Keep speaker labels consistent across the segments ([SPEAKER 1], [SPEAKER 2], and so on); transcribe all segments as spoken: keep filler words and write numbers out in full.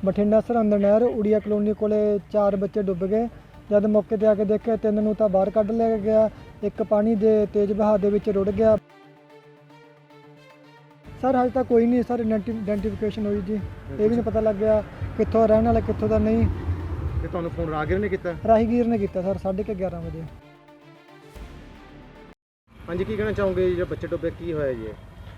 [SPEAKER 1] ਬਠਿੰਡਾ ਸਰਹੰਦ ਨਹਿਰ ਉੜੀਆ ਕਲੋਨੀ ਕੋਲੇ ਚਾਰ ਬੱਚੇ ਡੁੱਬ ਗਏ। ਜਦ ਮੌਕੇ ਤੇ ਆ ਕੇ ਦੇਖਿਆ ਤਿੰਨ ਨੂੰ ਤਾਂ ਬਾਹਰ ਕੱਢ ਲਿਆ ਗਿਆ, ਇੱਕ ਪਾਣੀ ਦੇ ਤੇਜ਼ ਵਹਾਅ ਦੇ ਵਿੱਚ ਰੁੜ ਗਿਆ। ਸਰ ਹਜੇ ਤੱਕ ਕੋਈ ਨਹੀਂ ਸਰ ਆਇਡੈਂਟੀਫਿਕੇਸ਼ਨ ਹੋਈ ਜੀ, ਇਹ ਵੀ ਨਹੀਂ ਪਤਾ ਲੱਗਿਆ ਕਿੱਥੋਂ ਰਹਿਣ ਵਾਲਾ ਕਿੱਥੋਂ ਦਾ ਨਹੀਂ।
[SPEAKER 2] ਤੇ ਤੁਹਾਨੂੰ ਫੋਨ ਰਾਹਗੀਰ ਨੇ ਕੀਤਾ?
[SPEAKER 1] ਰਾਹੀਗੀਰ ਨੇ ਕੀਤਾ ਸਰ ਸਾਢੇ ਕੁ ਗਿਆਰਾਂ ਵਜੇ।
[SPEAKER 2] ਹਾਂਜੀ, ਕੀ ਕਹਿਣਾ ਚਾਹੋਗੇ ਜਿਹੜਾ ਬੱਚੇ ਡੁੱਬੇ, ਕੀ ਹੋਇਆ ਜੀ?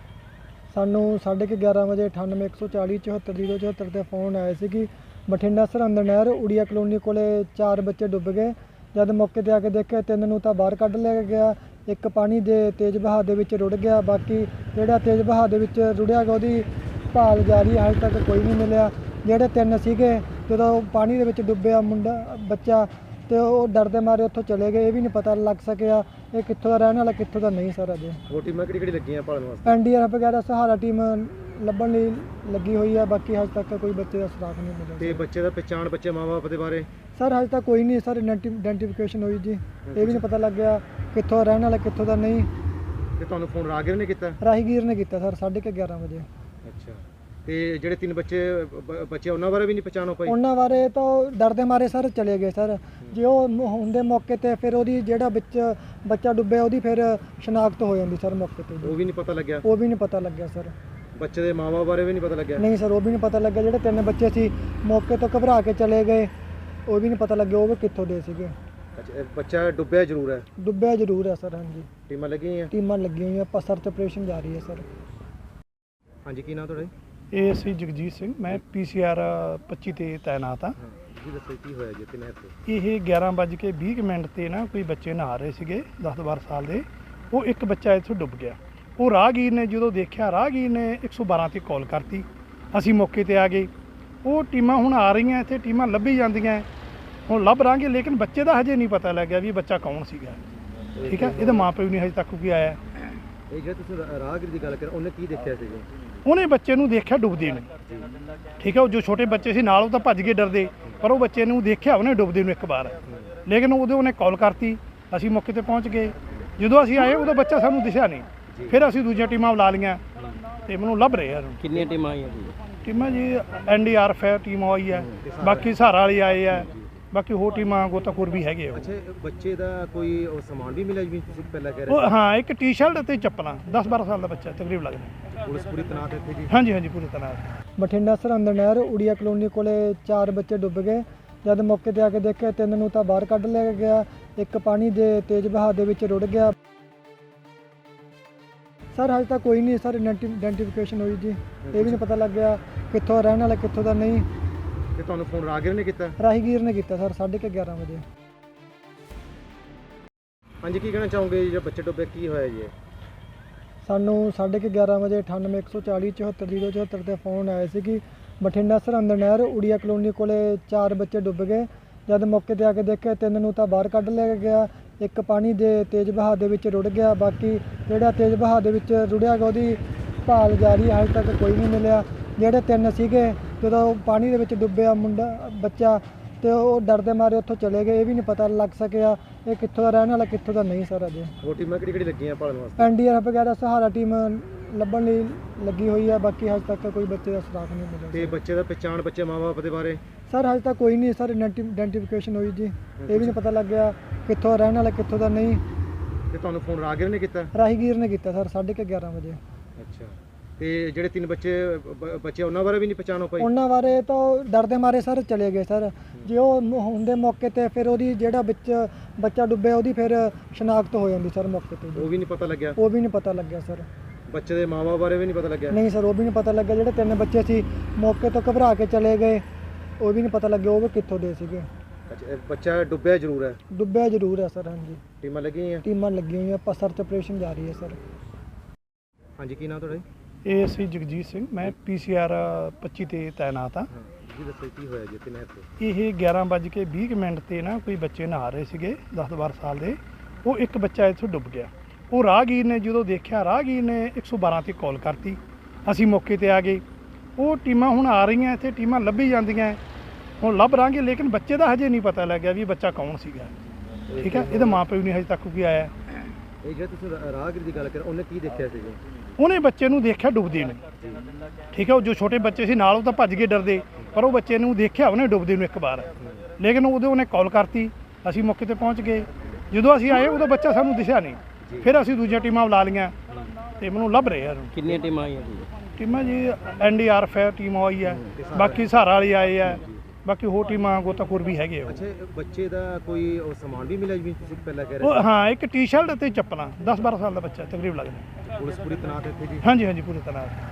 [SPEAKER 1] ਸਾਨੂੰ ਸਾਢੇ ਕੁ ਗਿਆਰਾਂ ਵਜੇ ਅਠਾਨਵੇਂ ਇੱਕ ਸੌ ਚਾਲੀ ਚੁਹੱਤਰ ਜ਼ੀਰੋ ਚੁਹੱਤਰ 'ਤੇ ਫੋਨ ਆਇਆ ਸੀ ਕਿ ਬਠਿੰਡਾ ਸਰਹੰਦ ਨਹਿਰ ਉੜੀਆ ਕਲੋਨੀ ਕੋਲੇ ਚਾਰ ਬੱਚੇ ਡੁੱਬ ਗਏ। ਜਦ ਮੌਕੇ ਤੇ ਆ ਕੇ ਦੇਖਿਆ ਤਿੰਨ ਨੂੰ ਤਾਂ ਬਾਹਰ ਕੱਢ ਲਿਆ ਗਿਆ, ਇੱਕ ਪਾਣੀ ਦੇ ਤੇਜ਼ ਵਹਾਅ ਦੇ ਵਿੱਚ ਰੁੜ ਗਿਆ। ਬਾਕੀ ਜਿਹੜਾ ਤੇਜ਼ ਵਹਾਅ ਦੇ ਵਿੱਚ ਰੁੜਿਆ ਗਿਆ ਉਹਦੀ ਭਾਲ ਜਾਰੀ ਹੈ, ਹਜੇ ਤੱਕ ਕੋਈ ਨਹੀਂ ਮਿਲਿਆ। ਜਿਹੜੇ ਤਿੰਨ ਸੀਗੇ ਜਦੋਂ ਪਾਣੀ ਦੇ ਵਿੱਚ ਡੁੱਬਿਆ ਮੁੰਡਾ ਬੱਚਾ ਤੇ ਉਹ ਡਰਦੇ ਮਾਰੇ ਉੱਥੋਂ ਚਲੇ ਗਏ, ਇਹ ਵੀ ਨਹੀਂ ਪਤਾ ਲੱਗ ਸਕਿਆ ਇਹ ਕਿੱਥੋਂ ਦਾ ਰਹਿਣ ਵਾਲਾ ਕਿੱਥੋਂ ਦਾ ਨਹੀਂ। ਸਰ ਅਜੇ
[SPEAKER 2] ਉਹ ਟੀਮਾਂ ਕਿਹੜੀ ਕਿਹੜੀ ਲੱਗੀਆਂ ਭਾਲਣ ਵਾਸਤੇ?
[SPEAKER 1] ਐਨ ਡੀ ਆਰ ਐਫ ਵਗੈਰਾ ਸਹਾਰਾ ਟੀਮ ਲੱਭਣ ਲਈ ਲੱਗੀ ਹੋਈ ਹੈ, ਬਾਕੀ ਹਜੇ ਤੱਕ ਕੋਈ ਬੱਚੇ ਦਾ ਸੁਰਾਗ ਨਹੀਂ ਮਿਲਿਆ।
[SPEAKER 2] ਤੇ ਬੱਚੇ ਦਾ ਪਛਾਣ, ਬੱਚੇ ਮਾਂ-ਬਾਪ ਦੇ ਬਾਰੇ?
[SPEAKER 1] ਸਰ ਹਜੇ ਤੱਕ ਕੋਈ ਨਹੀਂ ਸਰ ਆਇਡੈਂਟੀਫਿਕੇਸ਼ਨ ਹੋਈ ਜੀ, ਇਹ ਵੀ ਨਹੀਂ ਪਤਾ ਲੱਗਿਆ ਕਿੱਥੋਂ ਰਹਿਣ ਵਾਲਾ ਕਿੱਥੋਂ ਦਾ ਨਹੀਂ।
[SPEAKER 2] ਤੇ ਤੁਹਾਨੂੰ ਫੋਨ ਰਾਹਗੀਰ ਨੇ ਕੀਤਾ?
[SPEAKER 1] ਰਾਹੀਗੀਰ ਨੇ ਕੀਤਾ ਸਰ ਸਾਢੇ ਕੁ ਗਿਆਰਾਂ ਵਜੇ।
[SPEAKER 2] ਅੱਛਾ, ਤੇ ਜਿਹੜੇ ਤਿੰਨ ਬੱਚੇ ਬ- ਬੱਚੇ ਉਹਨਾਂ ਬਾਰੇ ਵੀ ਨਹੀਂ ਪਛਾਣ ਹੋ ਪਾਈ?
[SPEAKER 1] ਉਹਨਾਂ ਬਾਰੇ ਤਾਂ ਡਰਦੇ ਮਾਰੇ ਸਰ ਚਲੇ ਗਏ ਸਰ। ਜੇ ਉਹ ਮ- ਹੁੰਦੇ ਮੌਕੇ ਤੇ ਫਿਰ ਉਹਦੀ ਜਿਹੜਾ ਵਿੱਚ ਬੱਚਾ ਡੁੱਬਿਆ ਉਹਦੀ ਫਿਰ ਸ਼ਨਾਖਤ ਹੋ ਜਾਂਦੀ ਸਰ ਮੌਕੇ ਤੇ
[SPEAKER 2] ਉਹ
[SPEAKER 1] ਜੀ।
[SPEAKER 2] ਵੀ ਨਹੀਂ ਪਤਾ ਲੱਗਿਆ?
[SPEAKER 1] ਉਹ ਵੀ ਨਹੀਂ ਪਤਾ ਲੱਗਿਆ ਸਰ।
[SPEAKER 2] ਬੱਚੇ ਦੇ ਮਾਂ-ਬਾਪ ਬਾਰੇ ਵੀ ਨਹੀਂ ਪਤਾ ਲੱਗਿਆ?
[SPEAKER 1] ਨਹੀਂ ਸਰ ਉਹ ਵੀ ਨਹੀਂ ਪਤਾ ਲੱਗਿਆ। ਜਿਹੜੇ ਤਿੰਨ ਬੱਚੇ ਸੀ ਮੌਕੇ ਤੋਂ ਘਬਰਾ ਕੇ ਚਲੇ ਗਏ, ਉਹ ਵੀ ਨਹੀਂ ਪਤਾ ਲੱਗਿਆ ਉਹ ਵੀ ਕਿੱਥੋਂ ਦੇ ਸੀਗੇ।
[SPEAKER 2] ਅੱਛਾ, ਇਹ ਬੱਚਾ ਡੁੱਬਿਆ ਜ਼ਰੂਰ ਹੈ?
[SPEAKER 1] ਡੁੱਬਿਆ ਜ਼ਰੂਰ ਹੈ ਸਰ। ਹਾਂਜੀ,
[SPEAKER 2] ਟੀਮਾਂ ਲੱਗੀਆਂ?
[SPEAKER 1] ਟੀਮਾਂ ਲੱਗੀਆਂ ਹੋਈਆਂ, ਆਪਾਂ ਸਰਚ ਆਪਰੇਸ਼ਨ ਜਾਰੀ ਹੈ ਸਰ।
[SPEAKER 2] ਹਾਂਜੀ, ਕੀ ਨਾਮ ਤੁਹਾਡਾ ਜੀ?
[SPEAKER 3] ਇਹ ਸੀ ਜਗਜੀਤ ਸਿੰਘ, ਮੈਂ ਪੀ ਸੀ ਆਰ ਪੱਚੀ ਤੇ ਤਾਇਨਾਤ ਹਾਂ।
[SPEAKER 2] ਜੀ ਦੱਸੋ ਕੀ ਹੋਇਆ ਜੀ ਤੇ ਨਹਿਰ ਤੇ?
[SPEAKER 3] ਇਹ ਗਿਆਰਾਂ ਵੱਜ ਕੇ ਵੀਹ ਕੁ ਮਿੰਟ ਤੇ ਨਾ ਕੋਈ ਬੱਚੇ ਨਹਾ ਰਹੇ ਸੀਗੇ ਦਸ ਬਾਰਾਂ ਸਾਲ ਦੇ, ਉਹ ਇੱਕ ਬੱਚਾ ਇੱਥੋਂ ਡੁੱਬ ਗਿਆ। ਉਹ ਰਾਹਗੀਰ ਨੇ ਜਦੋਂ ਦੇਖਿਆ, ਰਾਹਗੀਰ ਨੇ ਇੱਕ ਸੌ ਬਾਰਾਂ ਤੇ ਕਾਲ ਕਰਤੀ, ਅਸੀਂ ਮੌਕੇ ਤੇ ਆ ਗਏ। ਉਹ ਟੀਮਾਂ ਹੁਣ ਆ ਰਹੀਆਂ ਇੱਥੇ, ਟੀਮਾਂ ਲੱਭੀ ਜਾਂਦੀਆਂ, ਹੁਣ ਲੱਭ ਰਾਂਗੇ, ਲੇਕਿਨ ਬੱਚੇ ਦਾ ਹਜੇ ਨਹੀਂ ਪਤਾ ਲੱਗਿਆ ਵੀ ਬੱਚਾ ਕੌਣ ਸੀਗਾ। ਠੀਕ ਹੈ, ਇਹਦਾ ਮਾਂ ਪਿਓ ਨਹੀਂ ਹਜੇ ਤੱਕ ਕੋਈ ਆਇਆ।
[SPEAKER 2] ਇਹ ਜਿਹੜਾ ਤੁਸੀਂ ਰਾ- ਰਾਹਗੀਰ ਦੀ ਗੱਲ ਕਰ, ਉਹਨੇ ਕੀ ਦੇਖਿਆ ਸੀ ਜੀ?
[SPEAKER 3] ਉਹਨੇ ਬੱਚੇ ਨੂੰ ਦੇਖਿਆ ਡੁੱਬਦੇ ਨੂੰ। ਠੀਕ ਹੈ, ਉਹ ਜੋ ਛੋਟੇ ਬੱਚੇ ਸੀ ਨਾਲ ਉਹ ਤਾਂ ਭੱਜ ਕੇ ਡਰਦੇ, ਪਰ ਉਹ ਬੱਚੇ ਨੂੰ ਦੇਖਿਆ ਉਹਨੇ ਡੁੱਬਦੇ ਨੂੰ ਇੱਕ ਵਾਰ, ਲੇਕਿਨ ਉਦੋਂ ਉਹਨੇ ਕਾਲ ਕਰਤੀ, ਅਸੀਂ ਮੌਕੇ ਤੇ ਪਹੁੰਚ ਗਏ। ਜਦੋਂ ਅਸੀਂ ਆਏ ਉਦੋਂ ਬੱਚਾ ਸਾਨੂੰ ਦਿਸਿਆ ਨਹੀਂ, ਫਿਰ ਅਸੀਂ ਦੂਜੀਆਂ ਟੀਮਾਂ ਬੁਲਾ ਲਈਆਂ ਤੇ ਮੈਨੂੰ ਲੱਭ ਰਹੇ ਆ।
[SPEAKER 4] ਕਿੰਨੀਆਂ ਟੀਮਾਂ ਆਈਆਂ ਜੀ?
[SPEAKER 3] ਟੀਮਾਂ ਜੀ ਐਨ ਡੀ ਆਰ ਐਫ ਹੈ ਟੀਮ ਆਈ ਹੈ, ਬਾਕੀ ਸਹਾਰਾ ਵਾਲੇ ਆਏ ਆ, ਬਾਕੀ ਹੋਰ ਟੀਮਾਂ ਗੋਤਾਖੋਰ ਵੀ ਹੈਗੇ ਆ।
[SPEAKER 2] ਅੱਛਾ, ਬੱਚੇ ਦਾ ਕੋਈ ਉਹ ਸਮਾਨ ਵੀ ਮਿਲਿਆ ਜਿਵੇਂ ਤੁਸੀਂ ਪਹਿਲਾਂ ਕਹਿ
[SPEAKER 3] ਉਹ
[SPEAKER 2] ਰਹੇ
[SPEAKER 3] ਹਾਂ, ਇੱਕ ਟੀ ਸ਼ਰਟ ਅਤੇ ਚੱਪਲਾਂ, ਦਸ ਬਾਰਾਂ ਸਾਲ ਦਾ ਬੱਚਾ ਤਕਰੀਬ ਲੱਗਦਾ।
[SPEAKER 2] ਸੀ? ਪੁਲਿਸ ਪੂਰੀ ਤਨਾਤ ਇੱਥੇ ਜੀ?
[SPEAKER 3] ਹਾਂਜੀ ਹਾਂਜੀ, ਪੂਰੀ ਤਰ੍ਹਾਂ।
[SPEAKER 1] ਬਠਿੰਡਾ ਸਰਹੰਦ ਨਹਿਰ ਉੜੀਆ ਕਲੋਨੀ ਕੋਲੇ ਚਾਰ ਬੱਚੇ ਡੁੱਬ ਗਏ। ਜਦ ਮੌਕੇ ਤੇ ਆ ਕੇ ਦੇਖਿਆ ਤਿੰਨ ਨੂੰ ਤਾਂ ਬਾਹਰ ਕੱਢ ਲਿਆ ਗਿਆ, ਇੱਕ ਪਾਣੀ ਦੇ ਤੇਜ਼ ਵਹਾਅ ਦੇ ਵਿੱਚ ਰੁੜ ਗਿਆ। ਸਰ ਹਜੇ ਤੱਕ ਕੋਈ ਨਹੀਂ ਸਰ ਆਇਡੈਂਟੀਫਿਕੇਸ਼ਨ ਹੋਈ ਜੀ, ਇਹ ਵੀ ਨਹੀਂ ਪਤਾ ਲੱਗਿਆ ਕਿੱਥੋਂ ਰਹਿਣ ਵਾਲਾ ਕਿੱਥੋਂ ਦਾ ਨਹੀਂ।
[SPEAKER 2] ਤੇ ਤੁਹਾਨੂੰ ਫੋਨ ਰਾਹਗੀਰ ਨੇ ਕੀਤਾ?
[SPEAKER 1] ਰਾਹੀਗੀਰ ਨੇ ਕੀਤਾ ਸਰ ਸਾਢੇ ਕੁ ਗਿਆਰਾਂ ਵਜੇ।
[SPEAKER 2] ਹਾਂਜੀ, ਕੀ ਕਹਿਣਾ ਚਾਹੋਗੇ ਜਿਹੜਾ ਬੱਚੇ ਡੁੱਬੇ, ਕੀ ਹੋਇਆ ਜੀ?
[SPEAKER 1] ਸਾਨੂੰ ਸਾਢੇ ਕੁ ਗਿਆਰਾਂ ਵਜੇ ਅਠਾਨਵੇਂ ਇੱਕ ਸੌ ਚਾਲੀ ਚੁਹੱਤਰ ਜ਼ੀਰੋ ਚੁਹੱਤਰ 'ਤੇ ਫੋਨ ਆਇਆ ਸੀ ਕਿ ਬਠਿੰਡਾ ਸਰਹੰਦ ਨਹਿਰ ਉੜੀਆ ਕਲੋਨੀ ਕੋਲੇ ਚਾਰ ਬੱਚੇ ਡੁੱਬ ਗਏ। ਜਦ ਮੌਕੇ ਤੇ ਆ ਕੇ ਦੇਖਿਆ ਤਿੰਨ ਨੂੰ ਤਾਂ ਬਾਹਰ ਕੱਢ ਲਿਆ ਗਿਆ, ਇੱਕ ਪਾਣੀ ਦੇ ਤੇਜ਼ ਵਹਾਅ ਦੇ ਵਿੱਚ ਰੁੜ ਗਿਆ। ਬਾਕੀ ਜਿਹੜਾ ਤੇਜ਼ ਵਹਾਅ ਦੇ ਵਿੱਚ ਰੁੜਿਆ ਗਿਆ ਉਹਦੀ ਭਾਲ ਜਾਰੀ ਹੈ, ਹਜੇ ਤੱਕ ਕੋਈ ਨਹੀਂ ਮਿਲਿਆ। ਜਿਹੜੇ ਤਿੰਨ ਸੀਗੇ ਜਦੋਂ ਪਾਣੀ ਦੇ ਵਿੱਚ ਡੁੱਬਿਆ ਮੁੰਡਾ ਬੱਚਾ ਤੇ ਉਹ ਡਰਦੇ ਮਾਰੇ ਉੱਥੋਂ ਚਲੇ ਗਏ, ਇਹ ਵੀ ਨਹੀਂ ਪਤਾ ਲੱਗ ਸਕਿਆ ਇਹ ਕਿੱਥੋਂ ਦਾ ਰਹਿਣ ਵਾਲਾ ਕਿੱਥੋਂ ਦਾ ਨਹੀਂ। ਸਰ ਅਜੇ
[SPEAKER 2] ਉਹ ਟੀਮਾਂ ਕਿਹੜੀ ਕਿਹੜੀ ਲੱਗੀਆਂ ਭਾਲਣ ਵਾਸਤੇ?
[SPEAKER 1] ਐਨ ਡੀ ਆਰ ਐਫ ਵਗੈਰਾ ਸਹਾਰਾ ਟੀਮ ਲੱਭਣ ਲਈ ਲੱਗੀ ਹੋਈ ਹੈ, ਬਾਕੀ ਹਜੇ ਤੱਕ ਕੋਈ ਬੱਚੇ ਦਾ ਸੁਰਾਗ ਨਹੀਂ
[SPEAKER 2] ਤੇ
[SPEAKER 1] ਮਿਲਿਆ।
[SPEAKER 2] ਬੱਚੇ ਦਾ ਪਛਾਣ, ਬੱਚੇ ਮਾਂ-ਬਾਪ ਦੇ ਬਾਰੇ?
[SPEAKER 1] ਸਰ ਹਜੇ ਤੱਕ ਕੋਈ ਨਹੀਂ ਸਰ ਆਇਡੈਂਟੀਫਿਕੇਸ਼ਨ ਹੋਈ ਜੀ, ਇਹ ਵੀ ਨਹੀਂ ਪਤਾ ਲੱਗਿਆ ਕਿੱਥੋਂ ਰਹਿਣ ਵਾਲਾ ਕਿੱਥੋਂ ਦਾ ਨਹੀਂ।
[SPEAKER 2] ਤੇ ਤੁਹਾਨੂੰ ਫੋਨ ਰਾਹਗੀਰ ਨੇ ਕੀਤਾ?
[SPEAKER 1] ਰਾਹੀਗੀਰ ਨੇ ਕੀਤਾ ਸਰ ਸਾਢੇ ਕੁ ਗਿਆਰਾਂ ਵਜੇ।
[SPEAKER 2] ਅੱਛਾ, ਤੇ ਜਿਹੜੇ ਤਿੰਨ ਬੱਚੇ ਬ- ਬੱਚੇ ਉਹਨਾਂ ਬਾਰੇ ਵੀ ਨਹੀਂ ਪਛਾਣ ਹੋ ਪਾਈ?
[SPEAKER 1] ਉਹਨਾਂ ਬਾਰੇ ਤਾਂ ਡਰਦੇ ਮਾਰੇ ਸਰ ਚਲੇ ਗਏ ਸਰ। ਜੇ ਉਹ ਮ- ਹੁੰਦੇ ਮੌਕੇ ਤੇ ਫਿਰ ਉਹਦੀ ਜਿਹੜਾ ਵਿੱਚ ਬੱਚਾ ਡੁੱਬਿਆ ਉਹਦੀ ਫਿਰ ਸ਼ਨਾਖਤ ਹੋ ਜਾਂਦੀ ਸਰ ਮੌਕੇ ਤੇ ਜੀ।
[SPEAKER 2] ਉਹ ਵੀ ਨਹੀਂ ਪਤਾ ਲੱਗਿਆ?
[SPEAKER 1] ਉਹ ਵੀ ਨਹੀਂ ਪਤਾ ਲੱਗਿਆ ਸਰ।
[SPEAKER 2] ਬੱਚੇ ਦੇ ਮਾਂ-ਬਾਪ ਬਾਰੇ ਵੀ ਨਹੀਂ ਪਤਾ ਲੱਗਿਆ?
[SPEAKER 1] ਨਹੀਂ ਸਰ ਉਹ ਵੀ ਨਹੀਂ ਪਤਾ ਲੱਗਿਆ। ਜਿਹੜੇ ਤਿੰਨ ਬੱਚੇ ਸੀ ਮੌਕੇ ਤੋਂ ਘਬਰਾ ਕੇ ਚਲੇ ਗਏ, ਉਹ ਵੀ ਨਹੀਂ ਪਤਾ ਲੱਗਿਆ ਉਹ ਵੀ ਕਿੱਥੋਂ ਦੇ ਸੀਗੇ।
[SPEAKER 2] ਅੱਛਾ, ਇਹ ਬੱਚਾ ਡੁੱਬਿਆ ਜ਼ਰੂਰ ਹੈ?
[SPEAKER 1] ਡੁੱਬਿਆ ਜ਼ਰੂਰ ਹੈ ਸਰ। ਹਾਂਜੀ,
[SPEAKER 2] ਟੀਮਾਂ ਲੱਗੀਆਂ?
[SPEAKER 1] ਟੀਮਾਂ ਲੱਗੀਆਂ ਹੋਈਆਂ, ਆਪਾਂ ਸਰਚ ਆਪਰੇਸ਼ਨ ਜਾਰੀ ਹੈ ਸਰ।
[SPEAKER 2] ਹਾਂਜੀ, ਕੀ ਨਾਮ ਤੁਹਾਡਾ ਜੀ?
[SPEAKER 3] ਇਹ ਸੀ ਜਗਜੀਤ ਸਿੰਘ, ਮੈਂ ਪੀ ਸੀ ਆਰ ਪੱਚੀ ਤੇ ਤਾਇਨਾਤ ਹਾਂ।
[SPEAKER 2] ਜੀ ਦੱਸੋ ਕੀ ਹੋਇਆ ਜੀ ਤੇ ਨਹਿਰ ਤੇ?
[SPEAKER 3] ਇਹ ਗਿਆਰਾਂ ਵੱਜ ਕੇ ਵੀਹ ਕੁ ਮਿੰਟ ਤੇ ਨਾ ਕੋਈ ਬੱਚੇ ਨਹਾ ਰਹੇ ਸੀਗੇ ਦਸ ਬਾਰਾਂ ਸਾਲ ਦੇ, ਉਹ ਇੱਕ ਬੱਚਾ ਇੱਥੋਂ ਡੁੱਬ ਗਿਆ। ਉਹ ਰਾਹਗੀਰ ਨੇ ਜਦੋਂ ਦੇਖਿਆ, ਰਾਹਗੀਰ ਨੇ ਇੱਕ ਸੌ ਬਾਰਾਂ ਤੇ ਕਾਲ ਕਰਤੀ, ਅਸੀਂ ਮੌਕੇ ਤੇ ਆ ਗਏ। ਉਹ ਟੀਮਾਂ ਹੁਣ ਆ ਰਹੀਆਂ ਇੱਥੇ, ਟੀਮਾਂ ਲੱਭੀ ਜਾਂਦੀਆਂ, ਹੁਣ ਲੱਭ ਰਾਂਗੇ, ਲੇਕਿਨ ਬੱਚੇ ਦਾ ਹਜੇ ਨਹੀਂ ਪਤਾ ਲੱਗਿਆ ਵੀ ਬੱਚਾ ਕੌਣ ਸੀਗਾ। ਠੀਕ ਹੈ, ਇਹਦਾ ਮਾਂ ਪਿਓ ਨਹੀਂ ਹਜੇ ਤੱਕ ਕੋਈ ਆਇਆ।
[SPEAKER 2] ਇਹ ਜਿਹੜਾ ਤੁਸੀਂ ਰਾ- ਰਾਹਗੀਰ ਦੀ ਗੱਲ ਕਰ, ਉਹਨੇ ਕੀ ਦੇਖਿਆ ਸੀ ਜੀ?
[SPEAKER 3] ਉਹਨੇ ਬੱਚੇ ਨੂੰ ਦੇਖਿਆ ਡੁੱਬਦੇ ਨੂੰ, ਠੀਕ ਹੈ। ਉਹ ਜੋ ਛੋਟੇ ਬੱਚੇ ਸੀ ਨਾਲ ਉਹ ਤਾਂ ਭੱਜ ਗਏ ਡਰਦੇ, ਪਰ ਉਹ ਬੱਚੇ ਨੂੰ ਦੇਖਿਆ ਉਹਨੇ ਡੁੱਬਦੇ ਨੂੰ ਇੱਕ ਵਾਰ, ਲੇਕਿਨ ਉਦੋਂ ਉਹਨੇ ਕਾਲ ਕਰਤੀ, ਅਸੀਂ ਮੌਕੇ ਤੇ ਪਹੁੰਚ ਗਏ। ਜਦੋਂ ਅਸੀਂ ਆਏ ਉਦੋਂ ਬੱਚਾ ਸਾਨੂੰ ਦਿਸਿਆ ਨਹੀਂ, ਫਿਰ ਅਸੀਂ ਦੂਜੀਆਂ ਟੀਮਾਂ ਬੁਲਾ ਲਈਆਂ ਤੇ ਮੈਨੂੰ ਲੱਭ ਰਹੇ ਆ।
[SPEAKER 4] ਕਿੰਨੀਆਂ ਟੀਮਾਂ ਆਈਆਂ ਜੀ?
[SPEAKER 3] ਟੀਮਾਂ ਜੀ ਐਨ ਡੀ ਆਰ ਐਫ ਹੈ, ਟੀਮ ਆਈ ਹੈ, ਬਾਕੀ ਸਹਾਰਾ ਵਾਲੇ ਆਏ ਆ, ਬਾਕੀ ਹੋਰ ਟੀਮਾਂ ਗੋਤਾਖੋਰ ਵੀ ਹੈਗੇ ਆ।
[SPEAKER 2] ਅੱਛਾ, ਬੱਚੇ ਦਾ ਕੋਈ ਉਹ ਸਮਾਨ ਵੀ ਮਿਲਿਆ ਜਿਵੇਂ ਤੁਸੀਂ ਪਹਿਲਾਂ ਕਹਿ ਰਹੇ
[SPEAKER 3] ਉਹ ਹਾਂ, ਇੱਕ ਟੀ-ਸ਼ਰਟ ਅਤੇ ਚੱਪਲਾਂ, ਦਸ ਬਾਰਾਂ ਸਾਲ ਦਾ ਬੱਚਾ ਤਕਰੀਬਨ ਲੱਗਦਾ।
[SPEAKER 2] ਪੁਲਿਸ ਪੂਰੀ ਤਨਾਤ ਇੱਥੇ ਜੀ?
[SPEAKER 3] ਹਾਂਜੀ ਹਾਂਜੀ, ਪੂਰੀ ਤਰ੍ਹਾਂ।